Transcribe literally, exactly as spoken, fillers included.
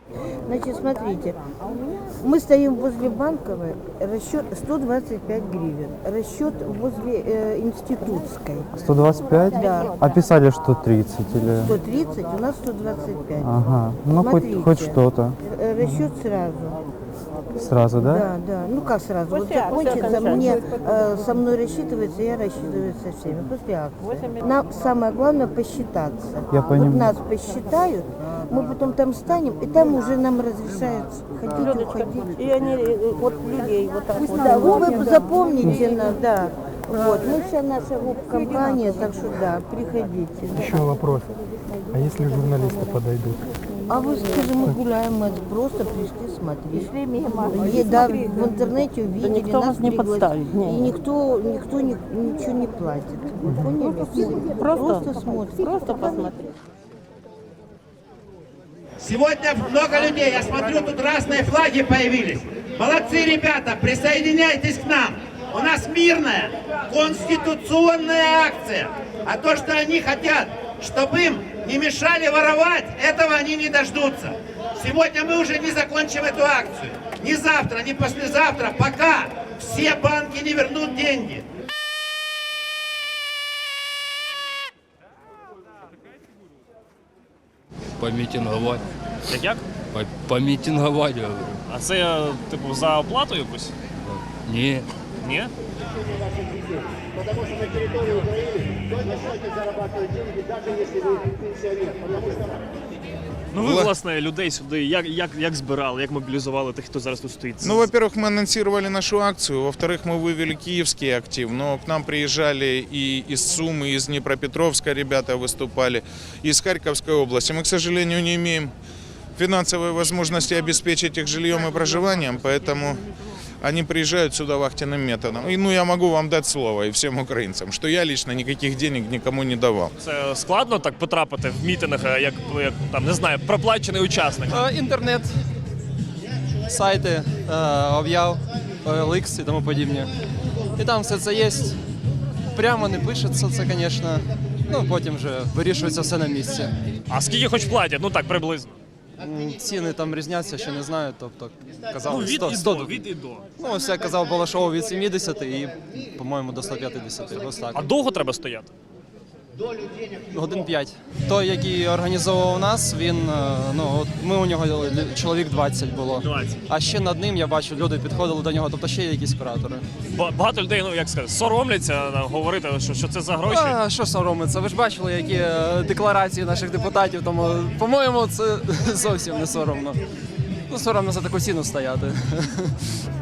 Значит, смотрите, мы стоим возле Банковой, расчет сто двадцать пять гривен, расчет возле э, Институтской. сто двадцать пять? Да. А писали, что тридцать или... сто тридцать, у нас сто двадцать пять. Ага, ну хоть, Смотрите, хоть что-то. э, Расчет сразу. Сразу, да? Да, да. Ну как сразу? Вот После акции закончится, окончательно. мне э, со мной рассчитывается, я рассчитываюсь со всеми. После акции. Нам самое главное посчитаться. Я Вот понимаю. нас посчитают, мы потом там станем, и там уже нам разрешают ходить, уходить. И они э, вот людей вот так вот. Да, вы, вы запомните нас, да. Вот, мы вся наша гоп-компания, так что да, приходите. Да. Еще вопрос. А если журналисты подойдут? А вы скажи, мы гуляем, мы просто пришли смотреть. Пришли мимо. И, да, в интернете увидели, никто нас вас не пригласили. подставит, не. И никто, никто ни- ничего не платит. Вы поняли? Просто, Просто смотрим. Просто посмотреть. Сегодня много людей, я смотрю, тут разные флаги появились. Молодцы, ребята, присоединяйтесь к нам. У нас мирная, конституционная акция. А то, что они хотят, чтобы им не мешали воровать, этого они не дождутся. Сегодня мы уже не закончим эту акцию. Ни завтра, ни послезавтра, пока все банки не вернут деньги. Помітингувати. Як як? По- Помітингувати, говорю. А це, типу, за оплату якусь? Ні. Ні? Потому что на территории Украины только сотни зарабатывают деньги, даже если вы пенсионер. Потому что... Ну ви, власне, людей сюди як, як, як збирали, як мобілізували тих, хто зараз тут стоїть? Ну, во-первых, мы анонсировали нашу акцию, во-вторых, мы вывели киевский актив, но к нам приезжали и из Сумы, и из Днепропетровска ребята выступали, и из Харьковской области. Мы, к сожалению, не имеем финансовой возможности обеспечить их жильем и проживанием, поэтому они приезжают сюда вахтенным методом. И, ну, я могу вам дать слово и всем украинцам, что я лично никаких денег никому не давал. Це складно так потрапити в мітинг, як, як там, не знаю, проплачений учасник? Е, Інтернет, сайти, е, об'яв, О Л Ікс і тому подібне. І там все це є. Прямо не пишеться це, звісно. Ну, потім вже вирішується все на місці. А скільки хоч платять? Ну так, приблизно. М, Ціни там різняться, ще не знаю. Тобто, Ну, казали, від сто, і сто, до, від і до. ну, ось я казав, Балашову від сімдесят і, по-моєму, до ста п'ятдесят. Ось так. А довго треба стояти? Годин п'ять. Той, який організовував нас, він, е, ну, от ми у нього лю- чоловік двадцять було. двадцять. А ще над ним я бачу, люди підходили до нього, тобто ще є якісь куратори. Ба- Багато людей, ну як сказати, соромляться е, говорити, що, що це за гроші. А що соромиться? Ви ж бачили, які е, декларації наших депутатів, тому, по-моєму, це зовсім не соромно. Ну, соромно за таку ціну стояти.